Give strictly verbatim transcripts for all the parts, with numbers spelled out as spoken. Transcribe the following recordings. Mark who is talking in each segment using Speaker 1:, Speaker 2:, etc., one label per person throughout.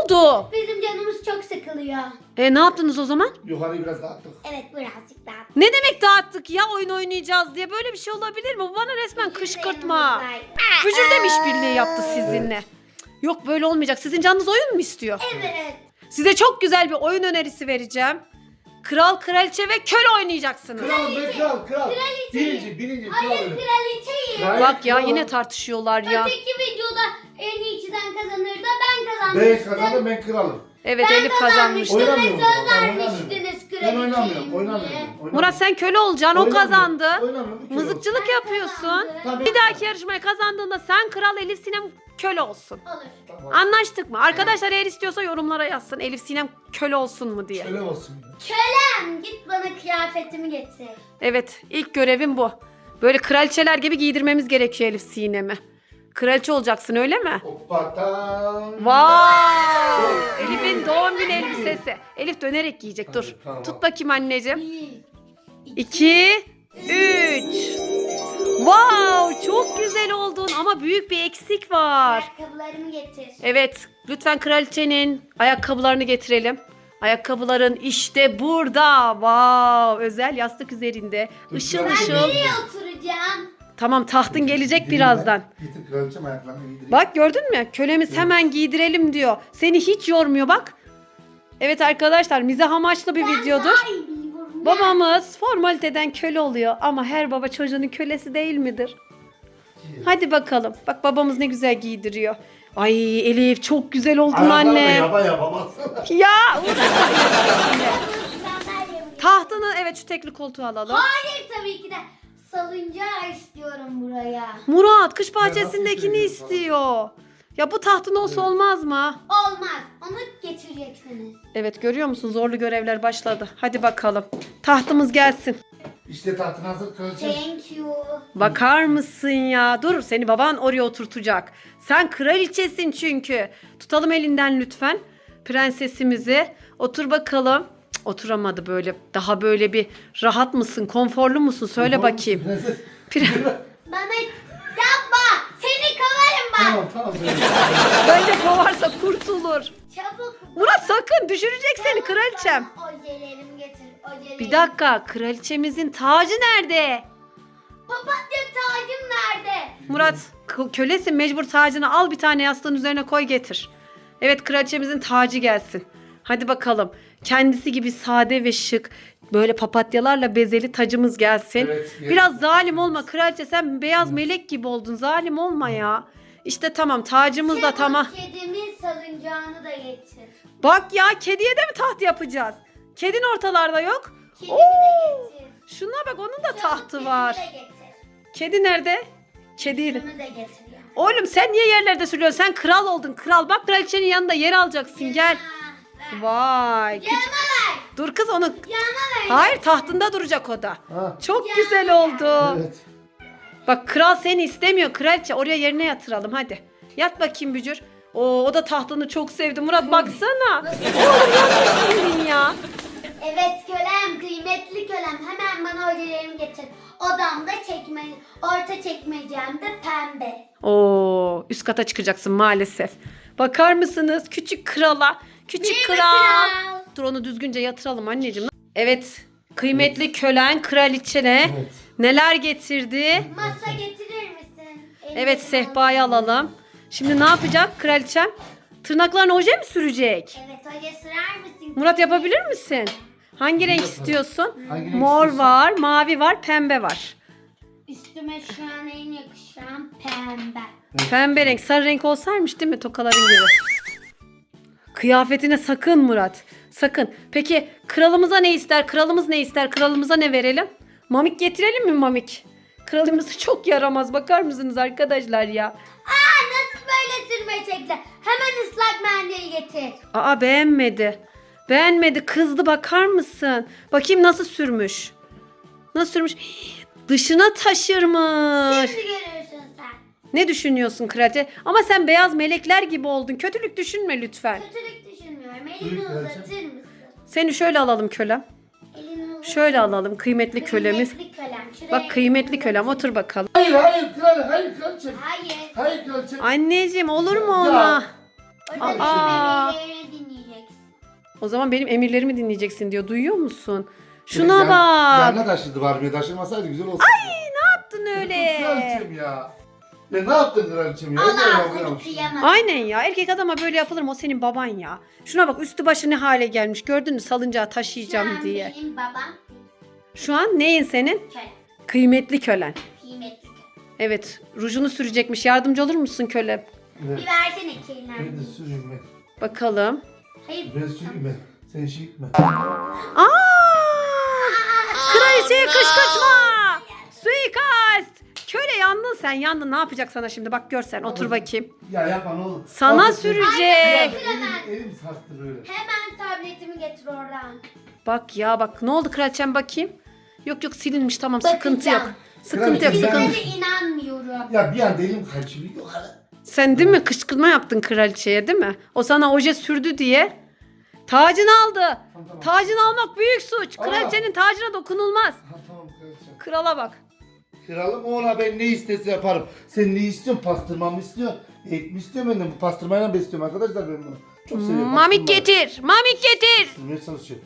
Speaker 1: oldu?
Speaker 2: Bizim canımız çok sıkılıyor.
Speaker 1: E ne yaptınız o zaman?
Speaker 3: Yukarıyı biraz dağıttık.
Speaker 2: Evet birazcık daha.
Speaker 1: Ne demek dağıttık ya, oyun oynayacağız diye? Böyle bir şey olabilir mi? Bu bana resmen kışkırtma. Bücür de mi işbirliği yaptı sizinle? Yok, böyle olmayacak. Sizin canınız oyun mu istiyor?
Speaker 2: Evet.
Speaker 1: Size çok güzel bir oyun önerisi vereceğim. Kral, kraliçe ve köle oynayacaksınız.
Speaker 3: Kral be kral kral.
Speaker 2: Kraliçe.
Speaker 3: Birinci birinci kral.
Speaker 2: Hayır
Speaker 3: benim.
Speaker 2: kraliçeyim.
Speaker 3: Hayır,
Speaker 1: Bak ya,
Speaker 3: kral.
Speaker 1: yine tartışıyorlar ya.
Speaker 2: Öteki videoda en iyi çizen kazanır da ben kazanmıştım.
Speaker 3: Ben kazandım, ben kralım.
Speaker 1: Evet,
Speaker 2: Ben
Speaker 1: Elif kazanmıştı.
Speaker 2: kazanmıştım ve
Speaker 3: Oynamıyorum.
Speaker 2: söz
Speaker 3: Ben
Speaker 2: vermiştiniz
Speaker 3: oynamıyorum. Ben oynamıyorum.
Speaker 2: kraliçeyim
Speaker 3: Oynamıyorum.
Speaker 2: diye.
Speaker 3: oynamıyorum.
Speaker 1: Murat, sen köle olacaksın, o
Speaker 3: Oynamıyorum.
Speaker 1: kazandı.
Speaker 3: Oynamıyorum. bir kere
Speaker 1: Mızıkçılık
Speaker 2: Ben
Speaker 1: yapıyorsun.
Speaker 2: kazandım.
Speaker 3: Tabii.
Speaker 1: Bir dahaki yarışmayı kazandığında sen kral, Elif Sinem köle olsun.
Speaker 2: Olur.
Speaker 3: olsun. Tamam.
Speaker 1: Anlaştık mı? Arkadaşlar eğer istiyorsa yorumlara yazsın. Elif Sinem köle olsun mu diye.
Speaker 3: Öyle olsun.
Speaker 2: Kölem git bana kıyafetimi getir.
Speaker 1: Evet, ilk görevim bu. Böyle kraliçeler gibi giydirmemiz gerekiyor Elif Sinem'i. Kraliçe olacaksın, öyle mi?
Speaker 3: Hoppatan.
Speaker 1: Wow! Elif'in doğum günü elbisesi. Elif dönerek giyecek. Dur.
Speaker 3: Hadi, tamam.
Speaker 1: Tut bakayım anneciğim.
Speaker 2: Bir,
Speaker 1: iki, üç. Wow! Çok güzel oldun ama büyük bir eksik var.
Speaker 2: ayakkabılarımı getir.
Speaker 1: Evet, lütfen kraliçenin ayakkabılarını getirelim. Ayakkabıların işte burada. Wow! Özel yastık üzerinde. Işıl
Speaker 3: Ben
Speaker 2: Ben
Speaker 1: ışıl.
Speaker 2: nereye oturacağım?
Speaker 1: Tamam, tahtın gelecek birazdan.
Speaker 3: Getir kraliçem ayaklarını giydireyim.
Speaker 1: Bak, gördün mü? Kölemiz hemen giydirelim diyor. Seni hiç yormuyor bak. Evet arkadaşlar, mizah amaçlı bir videodur.
Speaker 2: Ay, biliyorum.
Speaker 1: Babamız formaliteden köle oluyor ama her baba çocuğunun kölesi değil midir? Hadi bakalım. Bak, babamız ne güzel giydiriyor. Ay Elif, çok güzel oldun
Speaker 3: Ayaklarını
Speaker 1: anne.
Speaker 3: yapa yapa baksana.
Speaker 1: Ya uğraşma şimdi.
Speaker 2: Sandalyemi getir.
Speaker 1: Tahtını, evet, şu tekli koltuğu alalım.
Speaker 2: Hayır tabii ki de salıncağı istiyorum buraya.
Speaker 1: Murat, kış
Speaker 3: nasıl
Speaker 1: bahçesindekini
Speaker 3: istiyorsun falan?
Speaker 1: istiyor. Ya bu tahtın olsa olmaz mı?
Speaker 2: Olmaz. Onu getireceksiniz.
Speaker 1: Evet, görüyor musun? Zorlu görevler başladı. Hadi bakalım. Tahtımız gelsin.
Speaker 3: İşte tahtın hazır kraliçem.
Speaker 2: Thank you.
Speaker 1: Bakar mısın ya? Dur, seni baban oraya oturtacak. Sen kraliçesin çünkü. Tutalım elinden lütfen prensesimizi. Otur bakalım. Cık, oturamadı böyle. Daha böyle bir rahat mısın? Konforlu musun? Söyle bakayım.
Speaker 3: Prenses.
Speaker 1: Pre-
Speaker 2: Bana yapma. Seni kovarım bak.
Speaker 3: Tamam tamam.
Speaker 1: Bence kovarsa kurtulur.
Speaker 2: Çabuk.
Speaker 1: Murat, sakın düşürecek seni kraliçem.
Speaker 2: Bana ojelerimi getir. Ojelerimi.
Speaker 1: Bir dakika, kraliçemizin tacı nerede?
Speaker 2: Papatya tacım nerede?
Speaker 1: Murat, k- kölesin, mecbur tacını al, bir tane yastığın üzerine koy getir. Evet, kraliçemizin tacı gelsin. Hadi bakalım. Kendisi gibi sade ve şık, böyle papatyalarla bezeli tacımız gelsin.
Speaker 3: Evet, evet.
Speaker 1: Biraz zalim olma kraliçe, sen beyaz melek gibi oldun. Zalim olma ya. İşte tamam, tacımız da
Speaker 2: Çabuk
Speaker 1: tamam.
Speaker 2: kedimin salıncağını da getir.
Speaker 1: Bak ya, kediye de mi taht yapacağız? Kedin ortalarda yok.
Speaker 2: Kedimi
Speaker 1: Oo!
Speaker 2: de getir.
Speaker 1: Şuna bak, onun da
Speaker 2: Çabuk
Speaker 1: tahtı
Speaker 2: kedimi
Speaker 1: var.
Speaker 2: de getir.
Speaker 1: Kedi nerede? Kedi.
Speaker 2: Kedimi de getir ya.
Speaker 1: Oğlum, sen niye yerlerde sürüyorsun? Sen kral oldun, kral. Bak, kraliçenin yanında yer alacaksın. Gel.
Speaker 2: Ver.
Speaker 1: Vay. küçük-
Speaker 2: Yanıma ver.
Speaker 1: Dur kız, onu.
Speaker 2: Yanıma ver.
Speaker 1: Hayır, tahtında duracak o da.
Speaker 3: Ha.
Speaker 1: Çok
Speaker 2: Ya.
Speaker 1: güzel oldu.
Speaker 3: Evet.
Speaker 1: Bak, kral seni istemiyor kraliçe. Oraya yerine yatıralım hadi. Yat bakayım Bücür. Oo, o da tahtını çok sevdi. Murat baksana. Oğlum, yanlış bildin ya.
Speaker 2: Evet kölem, kıymetli kölem. Hemen bana ojelerimi getir. Odamda çekme, orta çekmecemde pembe.
Speaker 1: Oo, üst kata çıkacaksın maalesef. Bakar mısınız küçük krala? Küçük
Speaker 2: Değil mi
Speaker 1: kral.
Speaker 2: kral?
Speaker 1: Dur, onu düzgünce yatıralım anneciğim. Evet, kıymetli kölen kraliçene
Speaker 3: Evet.
Speaker 1: neler getirdi?
Speaker 2: Masa getirir misin? Elini
Speaker 1: Evet, sehpayı alalım. Şimdi ne yapacak kraliçem? Tırnaklarına oje mi sürecek?
Speaker 2: Evet, oje sürer misin?
Speaker 1: Murat, yapabilir misin? Hangi renk
Speaker 3: Yaparım.
Speaker 1: istiyorsun?
Speaker 3: Hangi renk
Speaker 1: Mor
Speaker 3: istiyorsan.
Speaker 1: var, mavi var, pembe var.
Speaker 2: Üstüme şu an en yakışan pembe.
Speaker 1: Pembe renk, sarı renk olsaymış değil mi, tokaların gibi? Kıyafetine sakın Murat, sakın. Peki kralımıza ne ister? Kralımız ne ister? Kralımıza ne verelim? Mamik getirelim mi mamik? Kralımız çok yaramaz, bakar mısınız arkadaşlar ya?
Speaker 2: Aa, nasıl böyle sürme çekti? Hemen ıslak mendil getir.
Speaker 1: Aa, beğenmedi. Beğenmedi, kızdı, bakar mısın? Bakayım nasıl sürmüş. Nasıl sürmüş? Hii, dışına taşırmış.
Speaker 2: Şimdi görürsün sen.
Speaker 1: Ne düşünüyorsun kraliçe? Ama sen beyaz melekler gibi oldun. Kötülük düşünme lütfen.
Speaker 2: Kötülük düşünmüyorum. Elini
Speaker 3: Buyur kraliçem.
Speaker 2: uzatır mısın?
Speaker 1: Seni şöyle alalım kölem.
Speaker 2: Elini uzatır
Speaker 1: Şöyle
Speaker 2: mısın?
Speaker 1: alalım kıymetli kölemiz.
Speaker 2: Kıymetli kölem. Şuraya
Speaker 1: Bak, kıymetli
Speaker 2: elini
Speaker 1: kölem,
Speaker 2: uzatır.
Speaker 1: otur bakalım.
Speaker 3: Hayır hayır kral hayır kraliçem.
Speaker 2: Hayır.
Speaker 3: Hayır kraliçem.
Speaker 1: Anneciğim, olur mu
Speaker 3: Ya.
Speaker 1: ona?
Speaker 2: Orada
Speaker 1: Aa.
Speaker 2: benim emirlerimi dinleyeceksin.
Speaker 1: O zaman benim emirlerimi dinleyeceksin diyor. Duyuyor musun? Şuna
Speaker 3: Yan-
Speaker 1: bak.
Speaker 3: Yanına taşıdı Barbie. Taşırmasaydı güzel olsaydı.
Speaker 1: Ne yaptın öyle?
Speaker 3: Kraliçem ya. Ya ne yaptın kraliçem ya?
Speaker 2: Allah
Speaker 3: Ne
Speaker 2: seni
Speaker 3: yapıyorsun?
Speaker 2: kıyamaz.
Speaker 1: Aynen ya. Erkek adama böyle yapılır mı? O senin baban ya. Şuna bak, üstü başı ne hale gelmiş. Gördün mü, salıncağı taşıyacağım
Speaker 2: Şu an
Speaker 1: diye.
Speaker 2: benim babam
Speaker 1: Şu an neyin senin?
Speaker 2: köle.
Speaker 1: Kıymetli kölen.
Speaker 2: Kıymetli köle.
Speaker 1: Evet. Rujunu sürecekmiş. Yardımcı olur musun köle?
Speaker 2: Bir
Speaker 3: Evet.
Speaker 2: versene
Speaker 3: Ben de
Speaker 2: kirlenmiş.
Speaker 3: süreyim ben.
Speaker 1: Bakalım.
Speaker 2: Hayır.
Speaker 3: Ben süreyim ben. Sen şey gitme.
Speaker 1: Aa! Kraliçeye kışkırtma! Suikast! Köle yandın sen, yandın. Ne yapacak sana şimdi? Bak görsen. Otur bakayım.
Speaker 3: Ya yapma ne olur.
Speaker 1: Sana
Speaker 3: Bak,
Speaker 1: sürecek.
Speaker 3: Elim, elim, elim sarktı böyle.
Speaker 2: Hemen tabletimi getir oradan.
Speaker 1: Bak ya bak. Ne oldu kraliçem, bakayım. Yok yok, silinmiş, tamam, sıkıntı yok.
Speaker 2: Bakacağım.
Speaker 1: Sıkıntı yok,
Speaker 3: Kraliçem,
Speaker 1: sıkıntı.
Speaker 2: Sizlere inanmıyorum.
Speaker 3: Ya bir anda elim kaçıyor. Yukarı.
Speaker 1: Sen değil mi kışkırtma yaptın kraliçeye, değil mi? O sana oje sürdü diye. Tacını aldı.
Speaker 3: tamam.
Speaker 1: Tacını almak büyük suç.
Speaker 3: Aa.
Speaker 1: Kraliçenin tacına dokunulmaz.
Speaker 3: Ha tamam kraliçem.
Speaker 1: Krala bak.
Speaker 3: Kralım ona ben ne istese yaparım. Sen ne istiyorsun? Pastırma mı istiyorsun? Et mi istiyorsun benden? Bu pastırmayla besliyorum arkadaşlar ben bunu. Çok seviyorum.
Speaker 1: Mamik
Speaker 3: pastırmayı.
Speaker 1: getir. Mamik getir.
Speaker 3: Sürmeye çalışıyor.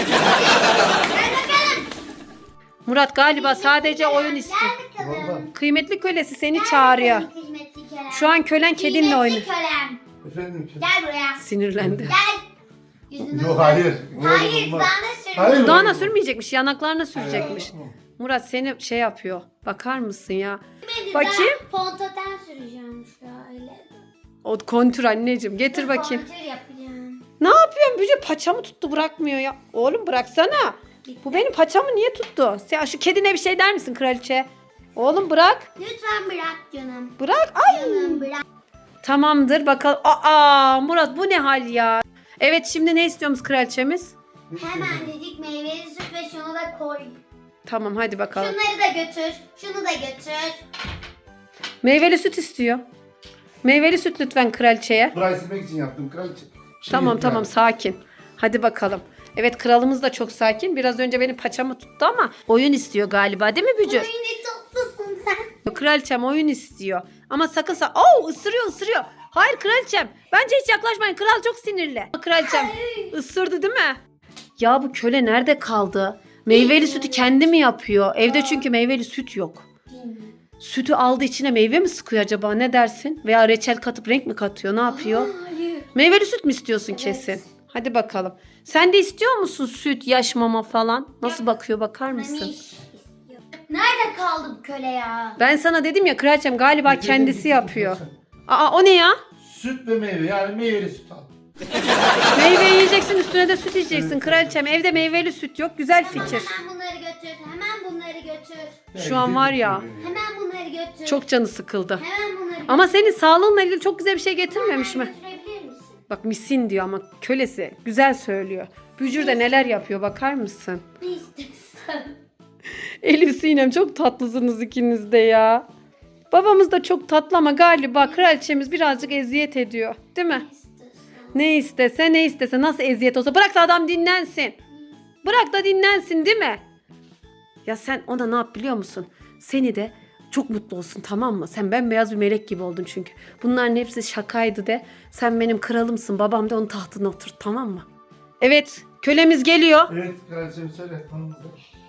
Speaker 1: Murat galiba sadece oyun istiyor.
Speaker 2: Gel bakalım.
Speaker 3: Vallahi.
Speaker 1: Kıymetli kölesi seni
Speaker 2: Gel
Speaker 1: çağırıyor.
Speaker 2: bakalım kıymetli kölem.
Speaker 1: Şu an kölen kedinle oynuyor.
Speaker 2: Kıymetli kölem.
Speaker 3: Efendim ki.
Speaker 2: Gel buraya.
Speaker 1: Sinirlendi.
Speaker 2: Gel. Yüzünü
Speaker 3: Yok
Speaker 2: uzat.
Speaker 3: hayır.
Speaker 2: Hayır
Speaker 3: Olmaz.
Speaker 2: dudağına sür.
Speaker 3: Hayır.
Speaker 1: Dudağına
Speaker 3: olmaz.
Speaker 1: sürmeyecekmiş, yanaklarına sürecekmiş.
Speaker 3: Hayır.
Speaker 1: Murat seni şey yapıyor. Bakar mısın ya?
Speaker 2: Bakayım.
Speaker 1: Bakayım.
Speaker 2: Fontaten süreceğim şöyle.
Speaker 1: O kontür anneciğim. Getir bakayım.
Speaker 2: Kontür yapacağım.
Speaker 1: Ne yapıyorsun Bücür? Paçamı tuttu, bırakmıyor ya. Oğlum bıraksana. Bu benim paçamı niye tuttu? Sen şu kedine bir şey der misin kraliçe? Oğlum bırak.
Speaker 2: Lütfen bırak canım.
Speaker 1: Bırak. Ay.
Speaker 2: Canım bırak.
Speaker 1: Tamamdır bakalım. Aa Murat, bu ne hal ya? Evet, şimdi ne istiyoruz kraliçemiz?
Speaker 2: Hemen dedik meyveli süt ve şunu da koy.
Speaker 1: Tamam hadi bakalım.
Speaker 2: Şunları da götür. Şunu da götür.
Speaker 1: Meyveli süt istiyor. Meyveli süt lütfen kraliçeye.
Speaker 3: Burayı silmek için yaptım kraliçe. Şey
Speaker 1: Tamam
Speaker 3: yok
Speaker 1: tamam
Speaker 3: yani.
Speaker 1: sakin. Hadi bakalım. Evet, kralımız da çok sakin. Biraz önce benim paçamı tuttu ama oyun istiyor galiba, değil mi Bücür?
Speaker 2: Ay ne tatlısın sen.
Speaker 1: Kraliçem oyun istiyor. Ama sakın sa... Oo, ısırıyor ısırıyor. Hayır kraliçem. Bence hiç yaklaşmayın. Kral çok sinirli. Kraliçem ısırdı değil mi? Ya bu köle nerede kaldı? Meyveli sütü kendi mi yapıyor? Evde çünkü meyveli süt yok. Sütü aldı, içine meyve mi sıkıyor acaba, ne dersin? Veya reçel katıp renk mi katıyor, ne yapıyor?
Speaker 2: Hayır.
Speaker 1: Meyveli süt mü istiyorsun
Speaker 2: Evet.
Speaker 1: kesin? Hadi bakalım. Sen de istiyor musun süt, yaş mama falan? Nasıl bakıyor, bakar mısın?
Speaker 2: Mamiş istiyor. Nerede kaldı bu köle ya?
Speaker 1: Ben sana dedim ya kraliçem galiba
Speaker 3: Getirdim,
Speaker 1: kendisi
Speaker 3: getirdim,
Speaker 1: yapıyor.
Speaker 3: kraliçem.
Speaker 1: Aa o ne ya?
Speaker 3: Süt ve meyve yani meyveli süt al.
Speaker 1: Meyve yiyeceksin, üstüne de süt içeceksin kraliçem. Evde meyveli süt yok. Güzel
Speaker 2: Tamam,
Speaker 1: fikir.
Speaker 2: hemen bunları götür. Hemen bunları götür.
Speaker 1: Şu an var ya.
Speaker 2: Hemen bunları götür.
Speaker 1: Çok canı sıkıldı.
Speaker 2: Hemen bunları götür.
Speaker 1: Ama senin sağlığınla ilgili çok güzel bir şey getirmemiş
Speaker 2: Hemen
Speaker 1: mi?
Speaker 2: götürebilir misin?
Speaker 1: Bak misin diyor ama kölesi. Güzel söylüyor. Bücür de neler yapıyor, bakar mısın?
Speaker 2: Ne istiyorsan.
Speaker 1: Elif Sinem çok tatlısınız ikiniz de ya. Babamız da çok tatlı ama galiba kraliçemiz birazcık eziyet ediyor. Değil mi?
Speaker 2: Ne istiyorsan.
Speaker 1: Ne istese ne istese, nasıl eziyet olsa bırak da adam dinlensin. Bırak da dinlensin değil mi? Ya sen ona ne yap biliyor musun? Seni de çok mutlu olsun, tamam mı? Sen bembeyaz bir melek gibi oldun çünkü. Bunların hepsi şakaydı de. Sen benim kralımsın, babam da onun tahtına otur, tamam mı? Evet, kölemiz geliyor.
Speaker 3: Evet kraliçem söyle. Hanımıza.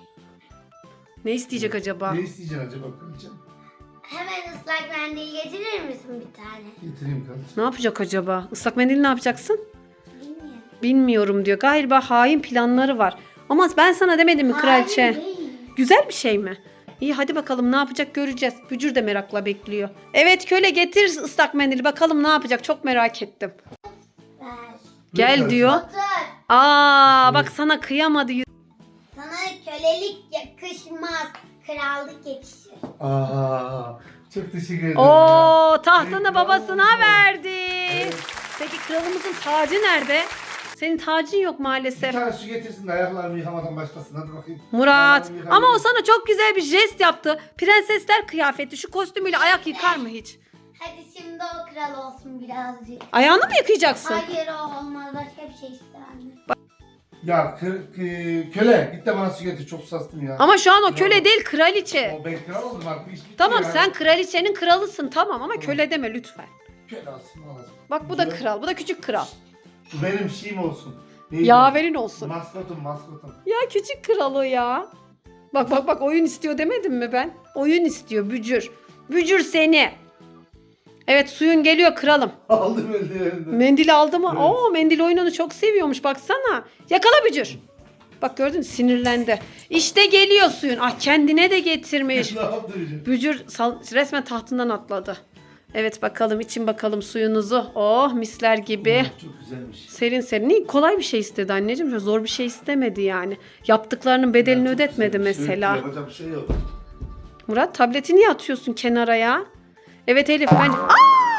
Speaker 1: Ne isteyecek acaba?
Speaker 3: Ne isteyeceksin acaba kraliçem?
Speaker 2: Hemen ıslak mendil getirir misin bir tane?
Speaker 3: Getireyim kraliçem.
Speaker 1: Ne yapacak acaba? Islak mendil ne yapacaksın?
Speaker 2: Bilmiyorum.
Speaker 1: Bilmiyorum diyor. Galiba hain planları var. Ama ben sana demedim mi kraliçe?
Speaker 2: Hayır, değil.
Speaker 1: Güzel bir şey mi? İyi hadi bakalım, ne yapacak göreceğiz. Bücür de merakla bekliyor. Evet köle, getir ıslak mendili, bakalım ne yapacak, çok merak ettim.
Speaker 2: Ver.
Speaker 1: Gel
Speaker 3: Lütfen.
Speaker 1: diyor.
Speaker 2: Otur.
Speaker 1: Aa bak sana kıyamadı.
Speaker 2: Sana kölelik yakışmaz. Krallık yakışır.
Speaker 3: Aa, çok teşekkür ederim.
Speaker 1: Oo
Speaker 3: ya.
Speaker 1: tahtını
Speaker 3: Evet,
Speaker 1: babasına
Speaker 3: bravo.
Speaker 1: verdi.
Speaker 3: Evet.
Speaker 1: Peki kralımızın tacı nerede? Senin tacın yok
Speaker 3: Bir
Speaker 1: maalesef.
Speaker 3: tane su getirsin de ayaklarımı yıkamadan başlasın. Hadi bakayım.
Speaker 1: Murat
Speaker 3: Ayaklarımı yıkayayım.
Speaker 1: ama o sana çok güzel bir jest yaptı. Prensesler kıyafeti, şu kostümüyle ayak yıkar mı hiç?
Speaker 2: Hadi şimdi o kral olsun birazcık.
Speaker 1: Ayağını mı yıkayacaksın?
Speaker 2: Hayır o olmaz. Başka bir şey ister anne.
Speaker 3: Ya kı, kı- köle git de bana su getir. Çok sastım ya.
Speaker 1: Ama şu an o köle değil, kraliçe.
Speaker 3: O ben kral oldum artık. İş bitti
Speaker 1: Tamam
Speaker 3: ya.
Speaker 1: sen kraliçenin kralısın tamam ama köle deme lütfen.
Speaker 3: kralsın olacak.
Speaker 1: Bak bu da
Speaker 3: Bücür.
Speaker 1: kral. Bu da küçük kral.
Speaker 3: Bu benim şeyim olsun. Neydi?
Speaker 1: Yaverin olsun.
Speaker 3: Maskotum maskotum.
Speaker 1: Ya küçük kral o ya. Bak bak bak oyun istiyor demedim mi ben? Oyun istiyor bücür. Bücür seni. Evet suyun geliyor kralım.
Speaker 3: Aldım eldivenimden.
Speaker 1: Mendil aldı mı?
Speaker 3: Evet.
Speaker 1: Oo mendil oyununu çok seviyormuş baksana. Yakala bücür. Bak gördün mü? Sinirlendi. İşte geliyor suyun. Ah kendine de getirmiş.
Speaker 3: Ne yaptı Bücür?
Speaker 1: Bücür sal- resmen tahtından atladı. Evet bakalım için bakalım suyunuzu. Oh misler gibi.
Speaker 3: Oh, çok güzelmiş.
Speaker 1: Serin serin. İyi, kolay bir şey istedi anneciğim. Şöyle zor bir şey istemedi yani. Yaptıklarının bedelini
Speaker 3: Çok
Speaker 1: ödetmedi
Speaker 3: güzelmiş.
Speaker 1: mesela.
Speaker 3: Evet, yapacak bir şey yok.
Speaker 1: Murat tableti niye atıyorsun kenara ya? Evet Elif bence... Aa!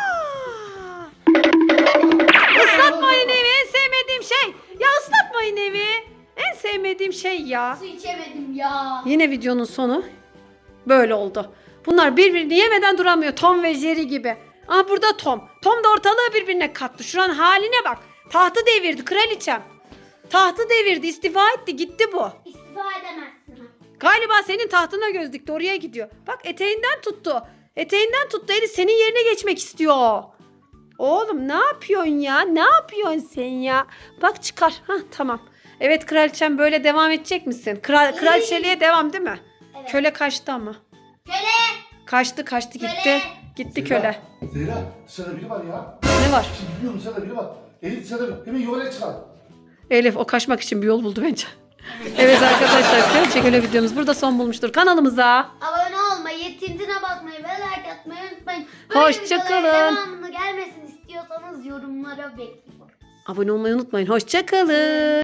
Speaker 1: Islatmayın evi en sevmediğim şey. Ya ıslatmayın evi. En sevmediğim şey ya.
Speaker 2: Su içemedim ya.
Speaker 1: Yine videonun sonu böyle oldu. Bunlar birbirini yemeden duramıyor. Tom ve Jerry gibi. Aa burada Tom. Tom da ortalığı birbirine kattı. Şuranın haline bak. Tahtı devirdi kraliçem. Tahtı devirdi, istifa etti, gitti bu.
Speaker 2: İstifa edemezsin.
Speaker 1: Galiba senin tahtına göz dikti, oraya gidiyor. Bak eteğinden tuttu. Eteğinden tuttu Elif, senin yerine geçmek istiyor. Oğlum ne yapıyorsun ya? Ne yapıyorsun sen ya? Bak çıkar. Hah tamam. Evet kraliçem böyle devam edecek misin? Kral, kraliçeliğe devam değil mi?
Speaker 2: Evet.
Speaker 1: Köle kaçtı ama.
Speaker 2: Köle.
Speaker 1: Kaçtı kaçtı gitti.
Speaker 2: Köle.
Speaker 1: Gitti
Speaker 3: Zehra,
Speaker 1: köle.
Speaker 3: Zehra dışarıda biri var ya.
Speaker 1: Ne var?
Speaker 3: Şimdi biliyorum dışarıda biri var. Elif dışarıda hemen yuvarlaya çıkar.
Speaker 1: Elif o kaçmak için bir yol buldu bence. Evet arkadaşlar kraliçe köle videomuz burada son bulmuştur. Kanalımıza
Speaker 2: Abone olmayı, tintine basmayı ve like atmayı unutmayın.
Speaker 1: Hoşça
Speaker 2: videoların
Speaker 1: kalın.
Speaker 2: devamını gelmesini istiyorsanız yorumlara bekliyorum.
Speaker 1: abone olmayı unutmayın. Hoşça kalın.